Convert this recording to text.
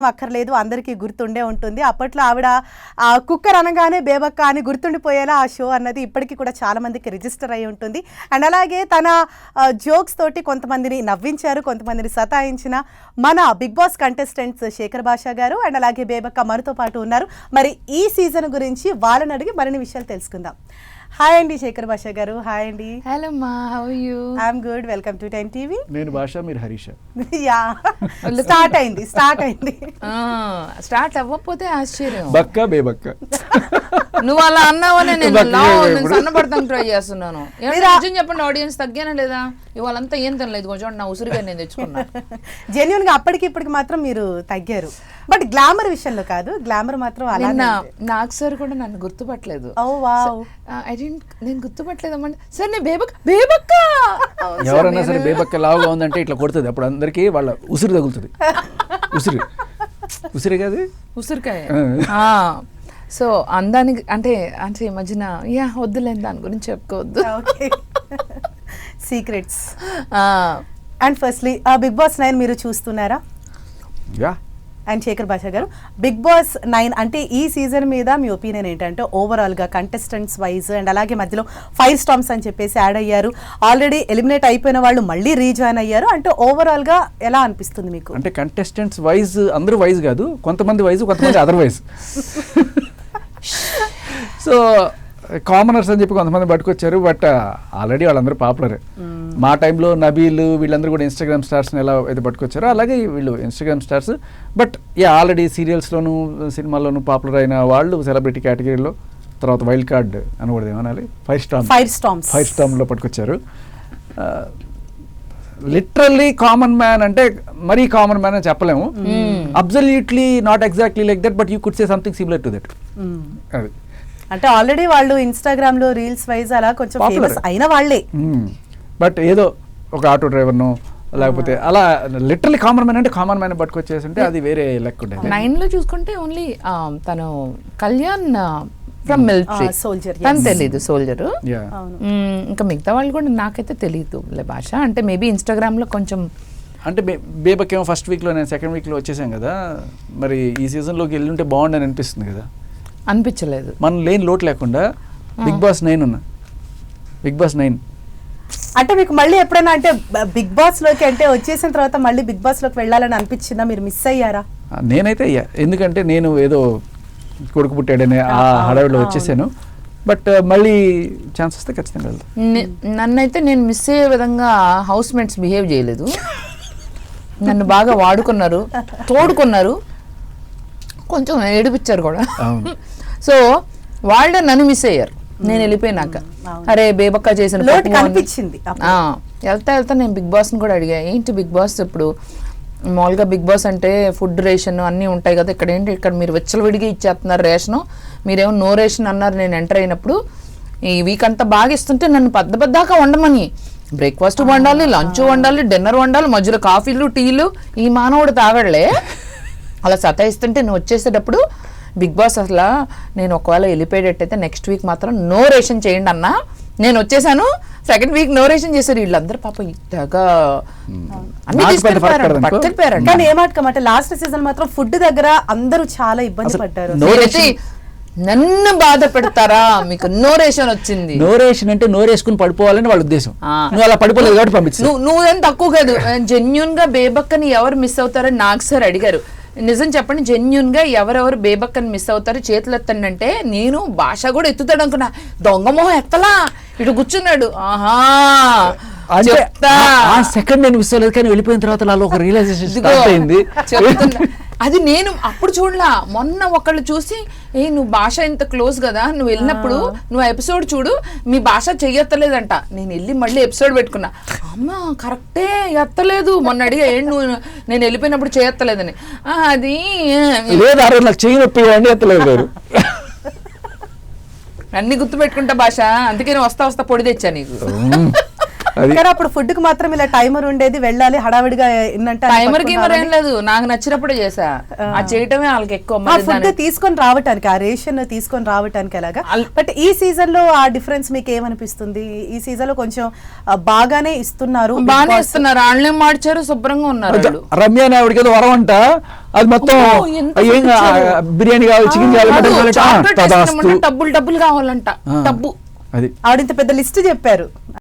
అక్కర్లేదు, అందరికీ గుర్తుండే ఉంటుంది. అప్పట్లో ఆవిడ కుక్కర్ అనగానే బేబక్క అని గుర్తుండిపోయేలా ఆ షో అన్నది ఇప్పటికీ కూడా చాలా మందికి రిజిస్టర్ అయి ఉంటుంది. అండ్ అలాగే తన జోక్స్ తోటి కొంతమందిని నవ్వించారు, కొంతమందిని సతాయించిన మన బిగ్ బాస్ కంటెస్టెంట్స్ శేఖర్ భాషా గారు అండ్ అలాగే బేబక్క మనతో పాటు ఉన్నారు. మరి ఈ సీజన్ గురించి వాళ్ళని అడిగి మరిన్ని విషయాలు తెలుసుకుందాం. హాయ్ అండి శేఖర్ భాషా గారు. హాయ్ అండి. హలో మా, how are you? I'm good. Welcome to 10 TV. నేను భాష, మీరు హరీష్. యా, స్టార్ట్ అయింది. స్టార్ట్ అవ్వకపోతే ఆశ్చర్యం. బక్క బేబక్క నువ్వు అలా అన్నావనే నేను సన్నపడతాను ట్రై చేస్తున్నాను. నిజం చెప్పండి, ఆడియన్స్ తగ్గానా లేదా? ఇవాళంతా ఏం తినలేదు, కొంచెం నా ఉసిరిగా నేను తెచ్చుకున్నా. జెన్యున్ గా అప్పటికి ఇప్పటికి మాత్రం మీరు తగ్గారు, బట్ గ్లామర్ విషయంలో కాదు. గ్లామర్ మాత్రం నాకు సార్ కూడా నన్ను గుర్తుపట్టలేదు. నేను గుర్తుపట్టలేదమ్మంటే సార్ నేను బేబక్క. ఎవరన్నా సరే బేబక్క లావుగా ఉందంటే ఇట్లా కొడుతుంది, అప్పుడు అందరికి వాళ్ళ ఉసిరి తగులుతుంది. ఉసిరి కాదు, ఉసిరికాయ. సో అందానికి అంటే అంటే ఈ మధ్యన వద్దులేని దాని గురించి చెప్పుకోవద్దు, secrets. And firstly big boss 9 మీరు చూస్తున్నారా? అండ్ శేఖర్ భాషా గారు, బిగ్ బాస్ 9 అంటే ఈ సీజన్ మీద మీ ఒపీనియన్ ఏంటంటే ఓవరాల్గా కంటెస్టెంట్స్ వైజ్ అండ్ అలాగే మధ్యలో 5 స్టార్మ్స్ అని చెప్పేసి యాడ్ అయ్యారు, ఆల్రెడీ ఎలిమినేట్ అయిపోయిన వాళ్ళు మళ్ళీ రీజాయిన్ అయ్యారు, అంటే ఓవరాల్గా ఎలా అనిపిస్తుంది మీకు? అంటే కంటెస్టెంట్స్ వైజ్ అందరూ వైజ్ కాదు, కొంతమంది వైజ్, కొంతమంది అదర్ వైజ్. సో కామనర్స్ అని చెప్పి కొంతమంది పట్టుకొచ్చారు, బట్ ఆల్రెడీ వాళ్ళందరూ పాపులరే. మా టైంలో నబీల్ వీళ్ళందరూ కూడా ఇన్స్టాగ్రామ్ స్టార్స్ని ఎలా అయితే పట్టుకొచ్చారో అలాగే వీళ్ళు ఇన్స్టాగ్రామ్ స్టార్స్, బట్ ఆల్రెడీ సీరియల్స్లోను సినిమాల్లోనూ పాపులర్ అయిన వాళ్ళు సెలబ్రిటీ కేటగిరీలో. తర్వాత వైల్డ్ కార్డ్ అనకూడదు, ఏమనాలి, 5 స్టార్మ్లో పట్టుకొచ్చారు. లిటరల్లీ కామన్ మ్యాన్ అంటే మరీ కామన్ మ్యాన్ అని చెప్పలేము, absolutely not exactly like that, but you could say something similar to that. అది అంటే ఆల్రెడీ వాళ్ళు ఇన్స్టాగ్రామ్ లో రీల్స్ వైజ్ అలా కొంచెం ఫేమస్ అయిన వాళ్ళే, బట్ ఏదో ఒక ఆటో డ్రైవర్ను లేకపోతే అలా లిటరల్లీ కామన్ మ్యాన్ అంటే కామన్ మ్యాన్ పట్టుకొచ్చేసింటే అది వేరే లెక్క ఉండేది. 9 లో చూసుకుంటే ఓన్లీ తను కళ్యాణ్ ఫ్రమ్ మిలిటరీ సోల్జర్, తను తెలీదు సోల్జర్. ఇంకా మిగతా వాళ్ళు కూడా నాకైతే తెలియదు భాష. అంటే మేబీ ఇన్స్టాగ్రామ్ లో కొంచెం అంటే బేబకేమో ఫస్ట్ వీక్లో, నేను సెకండ్ వీక్లో వచ్చేసాం కదా, మరి ఈ సీజన్లోకి వెళ్ళుంటే బాగుండని అనిపిస్తుంది కదా. అనిపించలేదు, మనం లేని లోటు లేకుండా బిగ్ బాస్ 9 ఉన్నా. బిగ్ బాస్ 9 అంటే మీకు మళ్ళీ ఎప్పుడైనా అంటే బిగ్ బాస్ లోకి అంటే వచ్చేసిన తర్వాత మళ్ళీ బిగ్ బాస్ లోకి వెళ్ళాలని అనిపించిందా? మీరు మిస్ అయ్యారా? నేనైతే అయ్యా, ఎందుకంటే నేను ఏదో కొడుకు పుట్టాడనే ఆ హడావిడిలో వచ్చేసాను, బట్ మళ్ళీ ఛాన్స్ వస్తే ఖచ్చితంగా వెళ్తాను. నన్నైతే నేను మిస్ అయ్యే విధంగా హౌస్ మేట్స్ బిహేవ్ చేయలేదు, నన్ను బాగా వాడుకున్నారు, తోడుకున్నారు, కొంచెం ఏడిపించారు కూడా. సో వాళ్ళే నన్ను మిస్ అయ్యారు నేను వెళ్ళిపోయినాక. అరే బేబక్క చేసిన అనిపించింది. వెళ్తా నేను బిగ్ బాస్ని కూడా అడిగా, ఏంటి బిగ్ బాస్ ఇప్పుడు మామూలుగా బిగ్ బాస్ అంటే ఫుడ్ రేషన్ అన్నీ ఉంటాయి కదా, ఇక్కడ ఏంటి ఇక్కడ మీరు విచ్చలవిడిగా ఇచ్చేస్తున్నారు రేషను, మీరేమో నో రేషన్ అన్నారు నేను ఎంటర్ అయినప్పుడు. ఈ వీక్ అంతా బాగా ఇస్తుంటే నన్ను పెద్దదాకా వండమని, బ్రేక్ఫాస్ట్ వండాలి, లంచ్ వండాలి, డిన్నర్ వండాలి, మధ్యలో కాఫీలు టీలు, ఈ మానవుడు తాగడలే అలా సతాయిస్తుంటే నువ్వు వచ్చేసేటప్పుడు బిగ్ బాస్ అసలు నేను ఒకవేళ వెళ్ళిపోయేటట్టయితే నెక్స్ట్ వీక్ మాత్రం నో రేషన్ చేయండి అన్నా. నేను వచ్చేసాను, సెకండ్ వీక్ నో రేషన్ చేశారు వీళ్ళందరూ. పాప ఇట్టగా అన్ని పట్టుకెళ్ళిపోయారు. కానీ ఏమాటకమాట లాస్ట్ సీజన్ మాత్రం ఫుడ్ దగ్గర అందరూ చాలా ఇబ్బంది పడ్డారు. నన్ను బాధ పెడతారా, మీకు నో రేషన్ వచ్చింది. నో రేషన్ అంటే నో రేసుకుని పడిపోవాలని వాళ్ళ ఉద్దేశం. నువ్వు అలా పడిపోలేదు కాబట్టి పంపించు. నువ్వేం తక్కువ కాదు. జెన్యున్ గా బేబక్కని ఎవరు మిస్ అవుతారని నాకు సార్ అడిగారు. నిజం చెప్పండి, జెన్యున్ గా ఎవరెవరు బేబక్కని మిస్ అవుతారు చేతులు ఎత్తండి అంటే నేను భాష కూడా ఎత్తుతాడు అనుకున్నా. దొంగమోహం ఎత్తలా, ఇటు కూర్చున్నాడు. ఆహా సెకండ్ నేను మిస్ అవ్వలేదు, కానీ వెళ్ళిపోయిన తర్వాత నాలో ఒక రియలైజేషన్ అయింది. అది నేను అప్పుడు చూడలా, మొన్న ఒకళ్ళు చూసి నువ్వు భాష ఇంత క్లోజ్ కదా, నువ్వు వెళ్ళినప్పుడు నువ్వు ఎపిసోడ్ చూడు, మీ భాష చెయ్యత్తలేదంట. నేను వెళ్ళి మళ్ళీ ఎపిసోడ్ పెట్టుకున్నా, అమ్మ కరెక్టే ఎత్తలేదు. మొన్న అడిగా నువ్వు నేను వెళ్ళిపోయినప్పుడు చేయత్తలేదని. అది అన్ని గుర్తు పెట్టుకుంటా భాష, అందుకే నేను వస్తా పొడి తెచ్చా నీకు. అది కానీ అప్పుడు ఫుడ్ కి మాత్రం ఇలా టైమర్ ఉండేది, వెళ్ళాలి హడావిడిగా ఇన్నంటే టైమర్ గేమర్ ఏం లేదు, నాకు నచ్చినప్పుడే చేసా. ఆ చేయటమే వాళ్ళకి ఎక్కువ. మరి ఫుడ్ తీసుకొని రావటానికి, ఆ రేషన్ తీసుకొని రావటానికి ఎలాగా. బట్ ఈ సీజన్ లో ఆ డిఫరెన్స్ మీకు ఏమనిపిస్తుంది? ఈ సీజన్ లో కొంచెం బాగానే ఇస్తున్నారు, బాగానే ఇస్తున్నారు, వాళ్ళే మార్చారు, శుభ్రంగా ఉన్నారు వాళ్ళు. రమ్య అని ఆవిడకి ఏదో వరం అంట, అది మొత్తం ఏం బిర్యానీ కావాలి, చికెన్ కావాలి, మటన్ కావాలి, డబ్బులు కావాలంట, డబ్బు. అది ఆవిడ ఇంత పెద్ద లిస్ట్ చెప్పారు.